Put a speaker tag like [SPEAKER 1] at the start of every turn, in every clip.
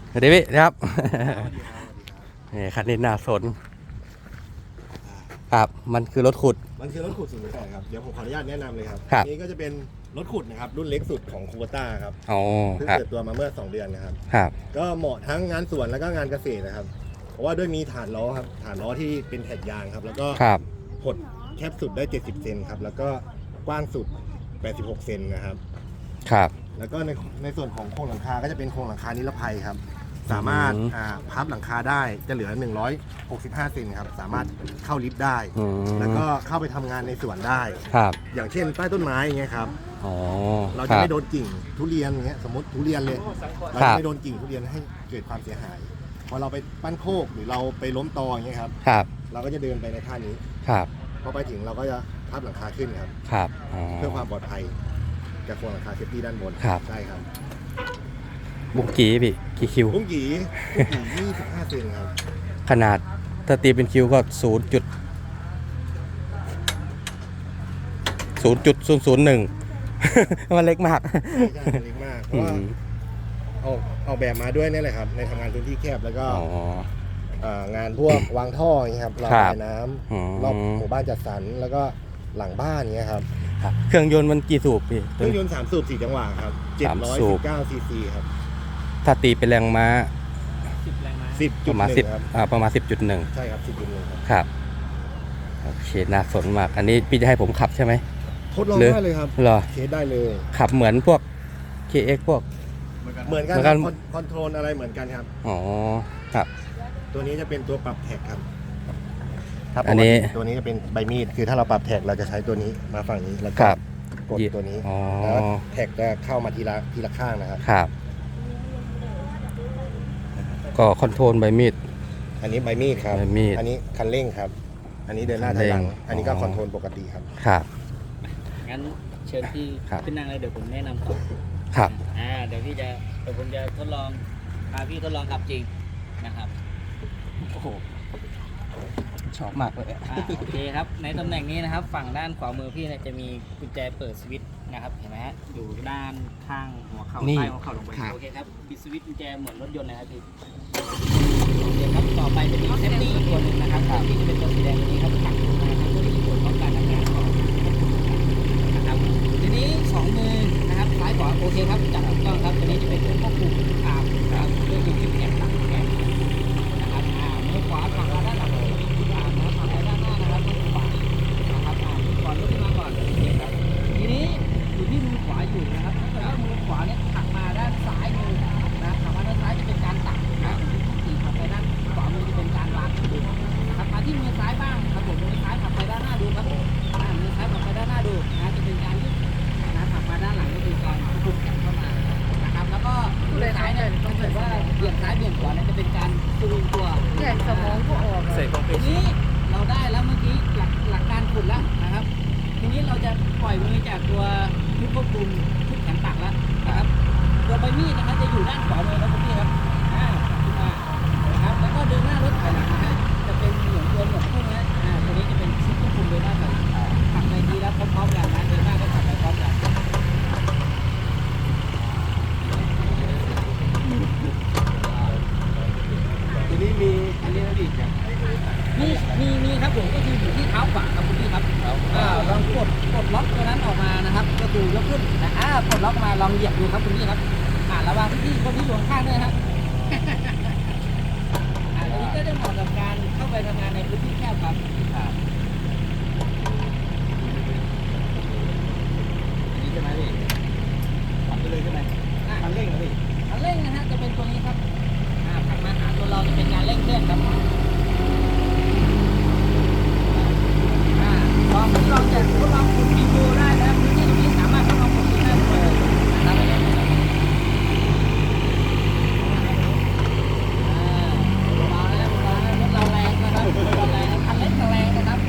[SPEAKER 1] สวัสดีพี่ครับนี่คันนี้น่าสนครับมันคือรถขุด
[SPEAKER 2] มันคือรถขุด0.8ครับเดี๋ยวผมขออนุญาตแนะนำเลยครับ
[SPEAKER 1] ครับ
[SPEAKER 2] นี้ก็จะเป็นรถขุดนะครับรุ่นเล็กสุดของคูเปต้าครับ
[SPEAKER 1] อ๋อ
[SPEAKER 2] เพิ่ง
[SPEAKER 1] ครับ
[SPEAKER 2] เปิดตัวมาเมื่อ2 เดือนนะครับ
[SPEAKER 1] ครับ
[SPEAKER 2] ก็เหมาะทั้งงานสวนแล้วก็งานเกษตรนะครับเพราะว่าด้วยมีฐานล้อครับฐานล้อที่เป็นแท็กยางครับแล้วก็
[SPEAKER 1] ครับ
[SPEAKER 2] หดแคบสุดได้70 เซนครับแล้วก็กว้างสุด86 เซนนะครับ
[SPEAKER 1] ครับ
[SPEAKER 2] แล้วก็ในส่วนของโครงหลังคาก็จะเป็นโครงหลังคานิรภัยครับสามารถพับหลังคาได้จะเหลือ165 เซนครับสามารถเข้าลิฟต์ได้แล้วก็เข้าไปทำงานในสวนได้
[SPEAKER 1] ครับ
[SPEAKER 2] อย่างเช่นใต้ต้นไม้อย่างเงี้ยครับ
[SPEAKER 1] อ๋อ
[SPEAKER 2] เราจะไม่โดนกิ่งทุเรียนอย่างเงี้ยสมมติทุเรียนเลยเราจะไม่โดนกิ่งทุเรียนให้เกิดความเสียหายพอเราไปปั้นโคกหรือเราไปล้มตออย่างเงี้ยครับ
[SPEAKER 1] ครับ
[SPEAKER 2] เราก็จะเดินไปในท่านี้
[SPEAKER 1] ครับ
[SPEAKER 2] พอไปถึงเราก็จะพับหลังคาขึ้นครับ
[SPEAKER 1] ครับ
[SPEAKER 2] เพื่อความปลอดภัยจากโครงหลังคาเซฟตี้ด้านบนใช่ครับ
[SPEAKER 1] บุกกี้พี่กี่คิว
[SPEAKER 2] บุ้งกี่25 เซนครับ
[SPEAKER 1] ขนาดถ้าตีเป็นคิวก็0.001มันเล็กมาก
[SPEAKER 2] ใช่เล็กมากเพราะว่าออกแบบมาด้วยนี่แหละครับในทำงานพื้นที่แคบแล้วก็งานพวกวางท่ออย่างเงี้ยครับระบายน้ำรอบหมู่บ้านจัดสรรแล้วก็หลังบ้านอย่างเงี้ยครับ
[SPEAKER 1] เครื่องยนต์มันกี่สูบพี่
[SPEAKER 2] เครื่องยนต์3 สูบ 4 จังหวะครับ719 ซีซีครับ
[SPEAKER 1] ถ้าตีเป็นแรงม้า
[SPEAKER 2] 10 แรงม้า
[SPEAKER 1] 10.1ครับประมาณ 10.1
[SPEAKER 2] ใช่ครับ 10.1
[SPEAKER 1] ครับโอเคน่าสนมากอันนี้พี่จะให้ผมขับใช่ไหม
[SPEAKER 2] ทดลองได้เลยครับ
[SPEAKER 1] เหรอ
[SPEAKER 2] เทสได้เลย
[SPEAKER 1] ขับเหมือนพวก KX พวก
[SPEAKER 2] เหมือนกันคอนโทรลอะไรเหมือนกันครับ
[SPEAKER 1] อ๋อครับ
[SPEAKER 2] ตัวนี้จะเป็นตัวปรับแท็กครับ
[SPEAKER 1] อันนี้
[SPEAKER 2] ตัวนี้จะเป็นใบมีดคือถ้าเราปรับแท็กเราจะใช้ตัวนี้มาฝั่งนี้แล้วก็กดตัวนี้แล้วแท็กจะเข้ามาทีละข้างนะครับ
[SPEAKER 1] ครับก็คอนโทรลใบมีด
[SPEAKER 2] อันนี้ใบมีดครับอันนี้คันเร่งครับอันนี้เดินหน้าถอยหลังอันนี้ก็คอนโทรลปกติครับ
[SPEAKER 1] ครับ
[SPEAKER 3] งั้นเชิญพี่ขึ้นนั่งเลยเดี๋ยวผมแนะนำต่อ
[SPEAKER 1] ครับ
[SPEAKER 3] เดี๋ยวผมจะทดลองพาพี่ทดลองขับจริงนะครับ
[SPEAKER 1] โอ้โหชอบมากเลย
[SPEAKER 3] โอเคครับในตำแหน่งนี้นะครับฝั่งด้านขวามือพี่เนี่ยจะมีกุญแจเปิดสวิตช์นะครับเห็นไหมฮะอยู่ด้านข้างหัวเข่าใต้หัวเข่าลงไปโอเคครับปิดสวิตช์กุญแจเหมือนรถยนต์นะครับพี่โอเคครับต่อไปจะมีเซฟตี้ตัวหนึ่งนะครับที่จะเป็นตัวสีแดงตัวนี้ครับตักลงมาครับเพื่อที่จะตรวจสอบการทำงานของนะครับทีนี้2 มือนะครับซ้ายขวาโอเคครับจับถูกต้องครับตัวนี้จะเป็นตัวควบคุมครับเรื่องอยู่ที่แขนหลังแขนนะครับมือขวาฝั่งด้านหลังทีนี้อยู่ที่มือขวาอยู่นะครับแล้วมือขวาเนี่ยถักมาด้านซ้ายมือนะถักมาด้านซ้ายจะเป็นการตักนะที่ถักไปด้านขวามือจะเป็นการวางถักมาที่มือซ้ายบ้างครับผมมือซ้ายถักไปด้านหน้าดูครับมือซ้ายถักไปด้านหน้าดูนะจะเป็นการยืดนะถักมาด้านหลังก็คือการคุมแขนเข้ามานะครับแล้วก็มือซ้ายเนี่ยต้องเห็นว่าเบี่ยงซ้ายเบี่ยงขวาเนี่ยจะเป็นการสวิงตัว
[SPEAKER 4] แขนสมองก็ออก
[SPEAKER 3] ทีนี้เราได้แล้วเมื่อกี้หลักการขุดแล้วนะครับทีนี้เราจะปล่อยมือจากตัวชุดควบคุมชุดแขนตักแล้วนะครับตัวใบมีดนะครับจะอยู่ด้านขวามือครับพี่ครับขึ้นมานะครับแล้วก็เดินหน้ารถถอยหลังนะฮะจะเป็นเหมือนตัวหนวดพวกนี้ตัวนี้จะเป็นชุดควบคุมเดินหน้าถอยหลังขับไปทีแล้วพร้อมๆกันนะเดินหน้าก็ขับไปพร้อมกัน
[SPEAKER 2] ทีนี้มีอันนี้นะพี่
[SPEAKER 3] มีครับผมก็คืออยู่ที่เท้าขวาครับคุณพี่ครับลองกดล็อกตัวนั้นออกมานะครับก็คือยกขึ้นนะกดล็อกมาลองเหยียบดูครับคุณพี่ครับระวังพี่คนที่อยู่ข้างๆด้วยครับอันนี้ก็จะเหมาะกับการเข้าไปทำงานในพื้นที่แคบครับนี่ใช่ไหมพี่ทำไปเลยใช่ไหมคันเร่งนะพี่คันเร่งนะฮะจะเป็นตัวนี้ครับถัดมาหาตัวเราจะเป็นการเร่งเครื่องครับลองจะทดลองขุดดินดูได้นะพื้นที่ตรงนี้สามารถทดลองขุดดินได้เลยนะครับรถเราแรงนะครับรถเราแรงคันเล็กแรงนะครับ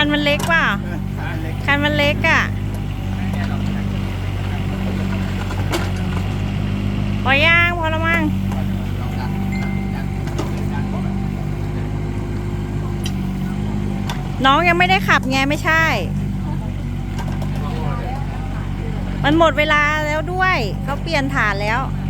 [SPEAKER 4] นมันเล็กป่ะคันมันเล็กอ่ะพอย่างพอละมั้งน้องยังไม่ได้ขับไงไม่ใช่ มันหมดเวลาแล้วด้วยเขาเปลี่ยนฐานแล้ว